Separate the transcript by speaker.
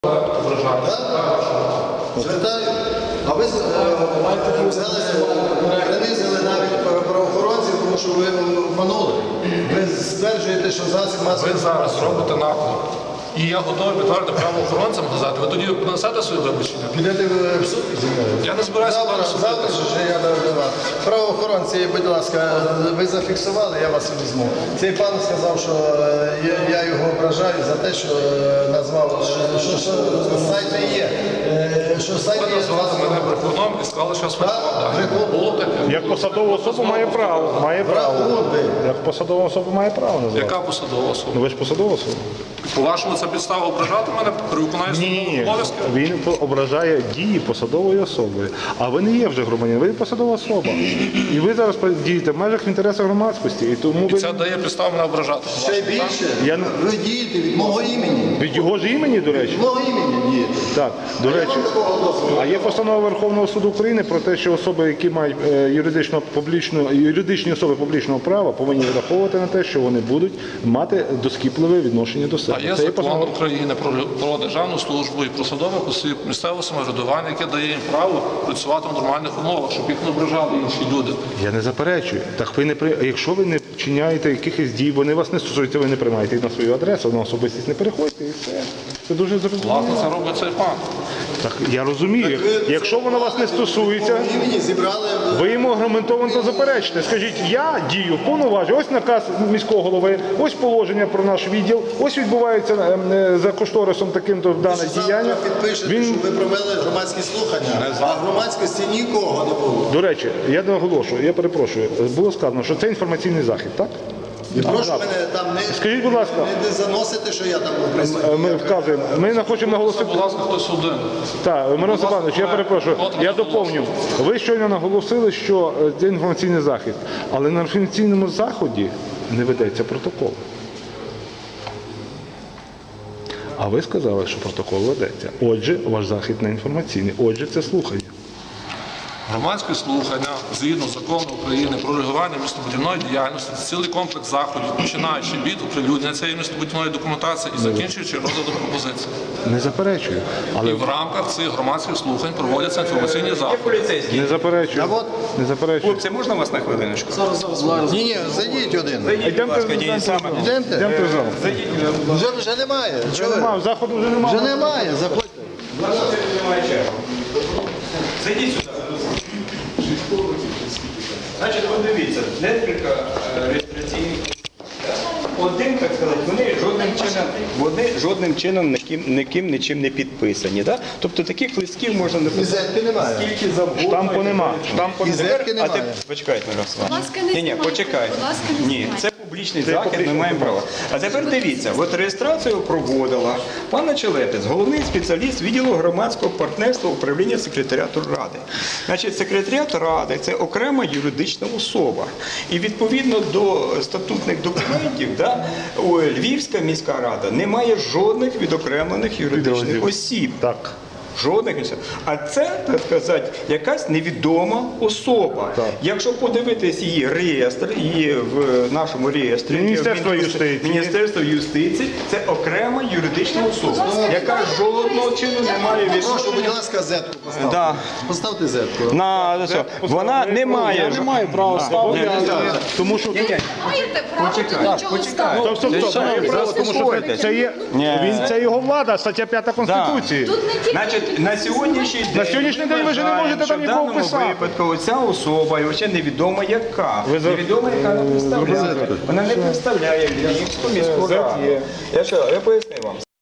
Speaker 1: Звертаю. А ви принизили навіть правоохоронців, тому що ви обманули. Ви стверджуєте, що засіб масової...
Speaker 2: Ви зараз робите наклеп. І я готовий підтвердити правоохоронцям казати. Ви тоді понесете свої вибачення?
Speaker 1: Підете в суд зі мною?
Speaker 2: Я не збираюся
Speaker 1: Завтра ж я давав. Правоохоронці, будь ласка, ви зафіксували, я вас візьму. Цей пан сказав, що я його ображаю за те, що назвав, що сайт не є. Що сайт
Speaker 2: Ви
Speaker 1: є...
Speaker 2: назвали мене брехуном і сказали, що я сфальсифікував. Було таке.
Speaker 3: Як посадова особа має право. Має право. Як посадова особа має право називати.
Speaker 2: Яка посадова особа?
Speaker 3: Ну ви ж посадова особа.
Speaker 2: По-вашому, це підстава ображати мене при виконанні службових обов'язків?
Speaker 3: Він ображає дії посадової особи. А ви не є вже громадянин, ви є посадова особа. І ви зараз дієте в межах в інтересах громадськості. І тому
Speaker 2: І
Speaker 3: ви...
Speaker 2: це дає підставу мене ображати.
Speaker 1: Ще більше, ви дієте від мого імені.
Speaker 3: Від його ж імені, до речі?
Speaker 1: Від мого імені дієте.
Speaker 3: Так, до речі. А є постанова Верховного суду України про те, що особи, які мають юридичні особи публічного права, повинні враховувати на те, що вони будуть мати доскіпливе відношення до себе.
Speaker 2: А є закон України про державну службу і про посадових осіб місцевого самоврядування, яке дає їм право працювати в нормальних умовах, щоб їх не ображали інші люди.
Speaker 3: Я не заперечую. Так ви не якщо ви не вчиняєте якихось дій, вони вас не стосуються, ви не приймаєте їх на свою адресу, на особистість не переходьте і все. Це дуже зрозуміло.
Speaker 2: Власне, це робить цей пан.
Speaker 3: Так я розумію. Якщо воно вас не стосується, ви йому аргументовано заперечите. Скажіть, я дію повноважень, ось наказ міського голови, ось положення про наш відділ, ось відбувається за кошторисом таким-то дане діяння.
Speaker 1: Підпишете, що ви провели громадські слухання, а громадськості нікого не було.
Speaker 3: До речі, я наголошую, я перепрошую, було сказано, що це інформаційний захід, так?
Speaker 1: І прошу мене там
Speaker 3: Скажіть, будь ласка,
Speaker 1: не заносити, що я там був присутній.
Speaker 3: ми вказуємо, ми не хочемо наголосити.
Speaker 2: Будь ласка, хтось один.
Speaker 3: Так, Мирон Степанович, я перепрошую, я доповню. Ви щойно наголосили, що це інформаційний захід, але на інформаційному заході не ведеться протокол. А ви сказали, що протокол ведеться. Отже, ваш захід не інформаційний. Отже, це слухання.
Speaker 2: Громадські слухання, згідно закону України про регулювання містобудівної діяльності, це цілий комплекс заходів, починаючи від оприлюднення цієї містобудівної документації і закінчуючи розглядом пропозицій.
Speaker 3: Не заперечую. Але
Speaker 2: І в рамках цих громадських слухань проводяться інформаційні заходи.
Speaker 3: не заперечую. Не заперечую.
Speaker 4: Хлопці, можна вас на хвилиночку?
Speaker 1: Ні, зайдіть один.
Speaker 3: Йдемте в зал.
Speaker 1: Вже немає. Чого ви?
Speaker 3: Заходу вже немає.
Speaker 1: Вже немає, заходьте.
Speaker 4: Зайдіть сюди. Значить, подивіться, декілька реєстраційних. Один, так сказати, вони жодним чином нічим не підписані. Да? Тобто таких листків можна
Speaker 1: Візитки немає.
Speaker 4: скільки завгодно.
Speaker 3: Штампу нема.
Speaker 1: Візитки
Speaker 4: А
Speaker 1: немає.
Speaker 4: почекайте, Мирослав. Ні, почекайте.
Speaker 5: Будь ласка, не
Speaker 4: Ні,
Speaker 5: знімайте.
Speaker 4: це публічний захід, ми маємо право. А тепер дивіться, от реєстрацію проводила пана Челепець, головний спеціаліст відділу громадського партнерства управління секретаріату Ради. Значить, секретаріат Ради – це окрема юридична особа. І відповідно до статутних документів, да, Львівська міська рада не має жодних відокремлених юридичних осіб.
Speaker 3: Так.
Speaker 4: Жодних осіб. А це, так сказати, якась невідома особа.
Speaker 3: Так.
Speaker 4: Якщо подивитись її реєстр, її в нашому реєстрі Міністерство юстиції, це окрема юридична особа, яка жодного чину не має
Speaker 1: Прошу, будь
Speaker 4: відношення.
Speaker 1: ласка, зетку поставте.
Speaker 4: Да.
Speaker 1: Поставте зетку.
Speaker 4: Вона не має.
Speaker 3: Я не маю права ставити, тому що...
Speaker 5: Маєте право тут нічого ставити.
Speaker 3: Тому що це його влада, стаття 5 Конституції.
Speaker 5: Тут не тільки
Speaker 4: Значить, на сьогоднішній день
Speaker 3: ви вже не можете там нікого
Speaker 4: в даному
Speaker 3: писати.
Speaker 4: випадку ця особа, і ще невідомо яка. Невідомо яка не представляє. Вона не представляє Львівську міську раду. Я поясню вам.